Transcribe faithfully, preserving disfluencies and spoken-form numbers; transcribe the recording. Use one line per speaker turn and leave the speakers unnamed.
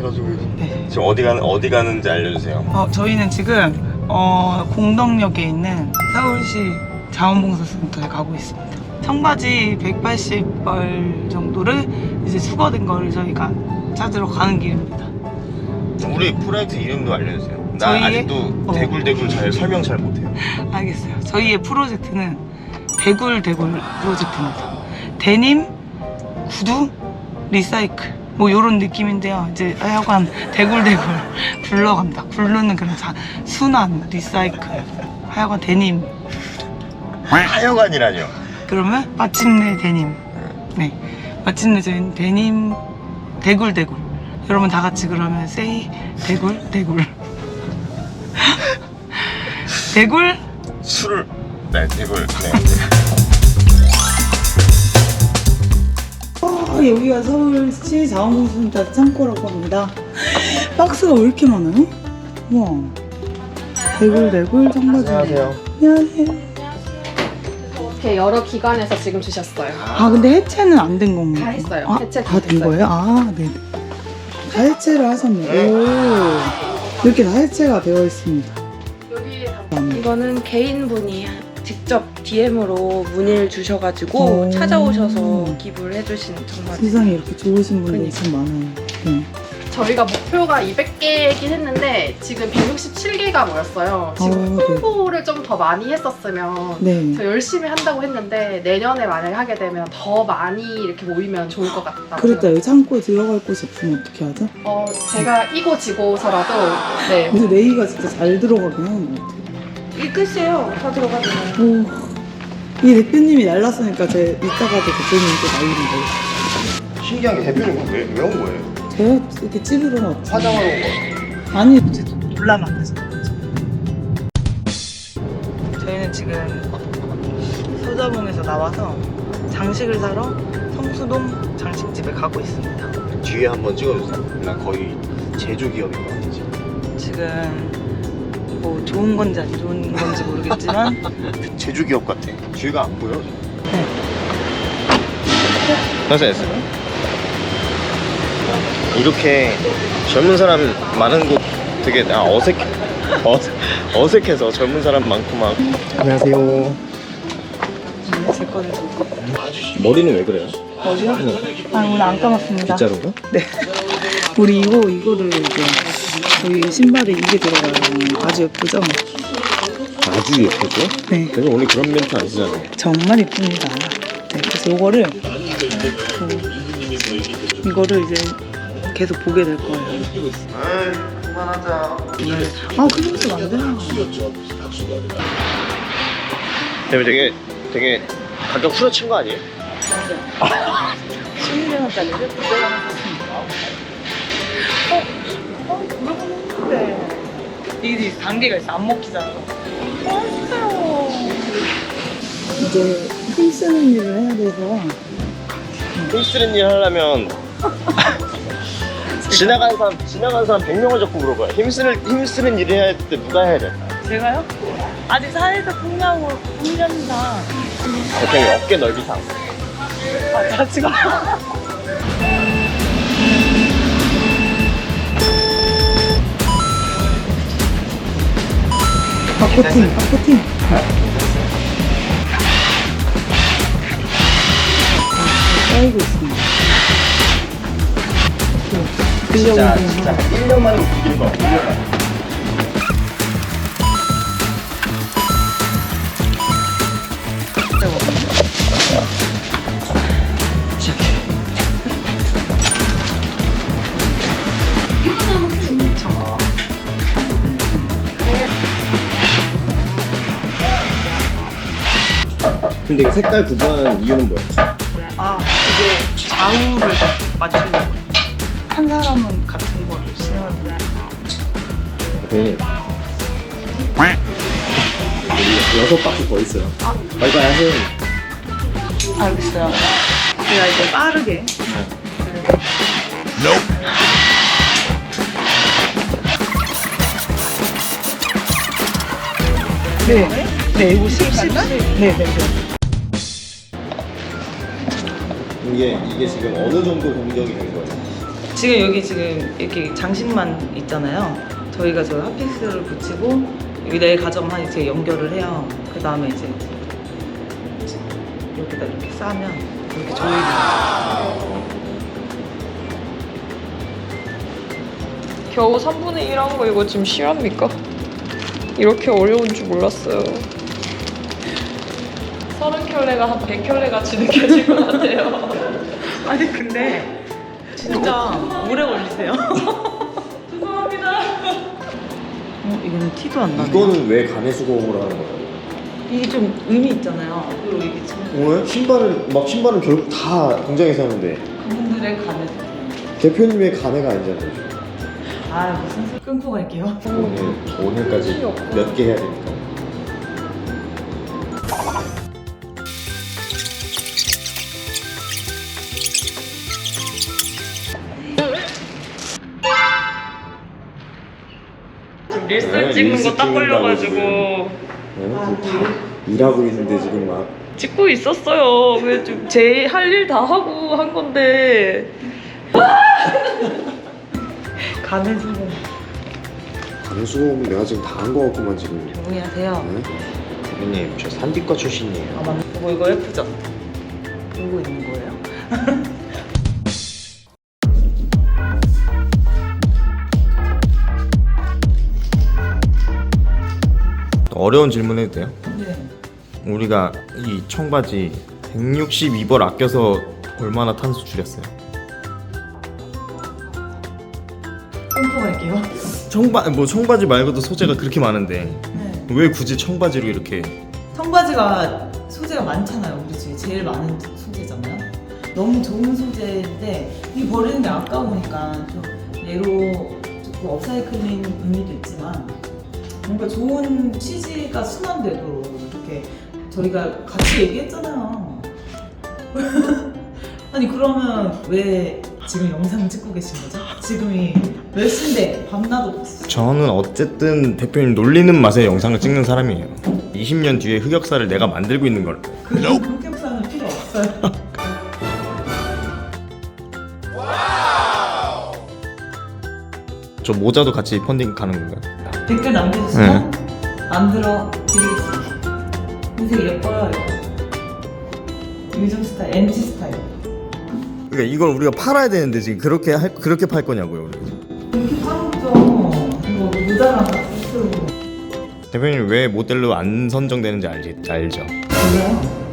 가지고.
네.
지금 어디 가는 어디 가는지 알려주세요.
어, 저희는 지금 어, 공덕역에 있는 서울시 자원봉사센터에 가고 있습니다. 청바지 백팔십 벌 정도를 이제 수거된 거를 저희가 찾으러 가는 길입니다.
우리 프로젝트 이름도 알려주세요. 나
저희의-
아직도
어.
대굴대굴 잘 설명 잘 못해요.
알겠어요. 저희의 프로젝트는 대굴대굴 프로젝트입니다. 데님, 구두, 리사이클 뭐 요런 느낌인데요. 이제 하여간 대굴대굴 굴러갑니다. 굴르는 그런 자, 순환, 리사이클 하여간 데님.
하여간이라뇨.
그러면 마침내 데님. 네, 마침내 저희는 데님 대굴대굴. 여러분 다 같이 그러면 세이 대굴대굴. 대굴
술을 네 대굴. 네.
아, 여기가 서울시 자원봉사센터 창고라고 합니다. 박스가 왜 이렇게 많아요? 우와. 대굴대굴 청바지.
안녕하세요.
안녕하세요.
이렇게 여러 기관에서 지금 주셨어요.
아 근데 해체는 안 된 건가요?
다 했어요.
아,
해체
다
다
된
됐어요.
거예요? 아, 네. 다 해체를 하셨네. 오. 이렇게 다 해체가 되어 있습니다.
여기
음.
이거는 개인분이 직접 디엠으로 문의를 주셔가지고
오.
찾아오셔서 기부를 해주신 정말
세상에 이렇게 좋으신 분들이
그러니까.
참 많아요. 네.
저희가 목표가 이백 개이긴 했는데 지금 백육십칠 개가 모였어요. 지금
어, 네.
홍보를 좀 더 많이 했었으면
네.
저 열심히 한다고 했는데 내년에 만약에 하게 되면 더 많이 이렇게 모이면 좋을 것 같다.
그랬다. 여기 창고에 들어갈 곳이 없으면 어떻게 하죠?
어, 제가 이고 지고서라도 네.
근데 네이가 진짜 잘 들어가긴 하는 것 같아요.
이 끝이에요. 다 들어가면.
오. 이 대표님이 날랐으니까 제 이따가도 대표님 또 날리는 거예요.
신기한 게 대표님 왜 왜 온 거예요?
제가 이렇게 찌르러 왔지.
화장하러 온 거예요.
아니, 이제 놀라면 안 되죠. 저희는 지금 서자봉에서 나와서 장식을 사러 성수동 장식집에 가고 있습니다.
뒤에 한번 찍어주세요. 나 거의 제조 기업인 것 같아 지금.
지금 뭐 좋은 건지 안 좋은 건지 모르겠지만
제조 기업 같아. 뒤가 안 보여.
네.
괜찮았어요. 이렇게 젊은 사람 많은 곳 되게 아, 어색 어색 어색해서 젊은 사람 많고 막. 안녕하세요.
제 거를 좀.
머리는 왜 그래요?
어디요? 아 오늘 안 감았습니다.
빗자루가?
네. 우리 이거 이거를 이제 저희 신발에 이게 들어가요. 아주 예쁘죠?
아주 예쁘죠?
네.
그래서 오늘 그런 멘트 안 쓰잖아요.
정말 예쁩니다. 네, 그래서 이거를 어, 이거를 이제 계속 보게 될 거예요.
에이, 그만하자.
네. 아, 그러면서 안 돼요.
근데 되게 되게 가격 후려친 거 아니에요?
십일 원짜리를 구백 원 샀습니다. 어? 어? 물어보는데 이게 단계가 있어. 안 먹히잖아. 어, 진짜요. 이제 힘쓰는 일을 해야 돼서
힘쓰는 일 하려면 지나가는 사람 지나가는 사람 백 명을 잡고 물어봐요. 힘쓰는 힘쓰는 일을 해야 할 때 누가 해야 돼?
제가요? 아직 사회적 풍량으로 풍량상
대표님 어깨 넓이상.
아, 자치가 바코팅, 바코팅. 쌓이고 있습니다.
진짜 진짜 일 년 만에 웃긴 거. 근데 이거 색깔 구분하는 이유는 뭐야?
아, 이게 좌우를 맞추려고. 한 사람은 같은 거를 쓰는데.
대표님 우리 여섯 바퀴 더 있어요. 빨리빨리 하세요.
알겠어요. 제가 이제 빠르게. 네. 네, 이거 십, 십, 십. 네, 네, 네.
이게 이게 지금 어느 정도 공정이 된 거예요?
지금 여기 지금 이렇게 장식만 있잖아요. 저희가 저 핫픽스를 붙이고 여기 내일 가져가면 이제 연결을 해요. 그 다음에 이제 여기다 이렇게 싸면 이렇게 조이는.
겨우 삼분의 일 한 거 이거 지금 실합니까? 이렇게 어려운 줄 몰랐어요. 서른 켤레가 한 백 켤레 같이 느껴질 것 같아요.
아니 근데 진짜 오래 걸리세요. 죄송합니다. 어, 이거는 티도 안 나네.
이거는 왜 간의 수공으로 하는 거예요?
이게 좀 의미 있잖아요. 그리고 이게 참
오늘 신발은 막 신발은 결국 다 공장에서 하는데
그분들의 간을.
대표님의 간회가 아니잖아요.
아 무슨 소리. 끊고 갈게요.
오늘 오늘까지 몇 개 해야 되니까.
지금 릴스
네,
찍는
릴스
거 딱
찍는다고
걸려가지고
네, 다 일하고 있는데 지금 막
찍고 있었어요. 왜 좀 제 할 일 다 하고 한 건데.
간을 좀
간의 수공은 내가 지금 다 한 거 같구만 지금.
조용히 하세요.
네? 대표님 저 산디과 출신이에요.
아 맞네. 뭐 이거 예쁘죠? 보고 있는 거예요.
어려운 질문 해도 돼요?
네.
우리가 이 청바지 백육십이 벌 아껴서 얼마나 탄소 줄였어요?
끊고 갈게요.
청바 뭐 청바지 말고도 소재가 그렇게 많은데
네.
왜 굳이 청바지로 이렇게?
청바지가 소재가 많잖아요. 우리 집에 제일 많은 소재잖아요. 너무 좋은 소재인데 이 버리는 게 아까우니까 좀 얘로 조금 업사이클링 의미도 있지만 뭔가 좋은 취지가 순환되도록 이렇게 저희가 같이 얘기했잖아요. 아니 그러면 왜 지금 영상 찍고 계신 거죠? 지금이 몇 시인데 밤낮 없이
저는 어쨌든 대표님 놀리는 맛에 영상을 찍는 사람이에요. 이십 년 뒤에 흑역사를 내가 만들고 있는 걸.
그런 흑역사는 필요 없어요.
저 모자도 같이 펀딩 가는 건가요?
댓글 남겨주시면 만들어 드리겠습니다. 흰색 예뻐요 이거. 요즘 스타일, 엠지 스타일.
그러니까 이걸 우리가 팔아야 되는데 지금 그렇게 할 그렇게 팔 거냐고요. 우리.
이렇게 파묻죠. 이거 모자랑 같이 쓰고.
대표님 왜 모델로 안 선정되는지 알지 알죠?
그래요?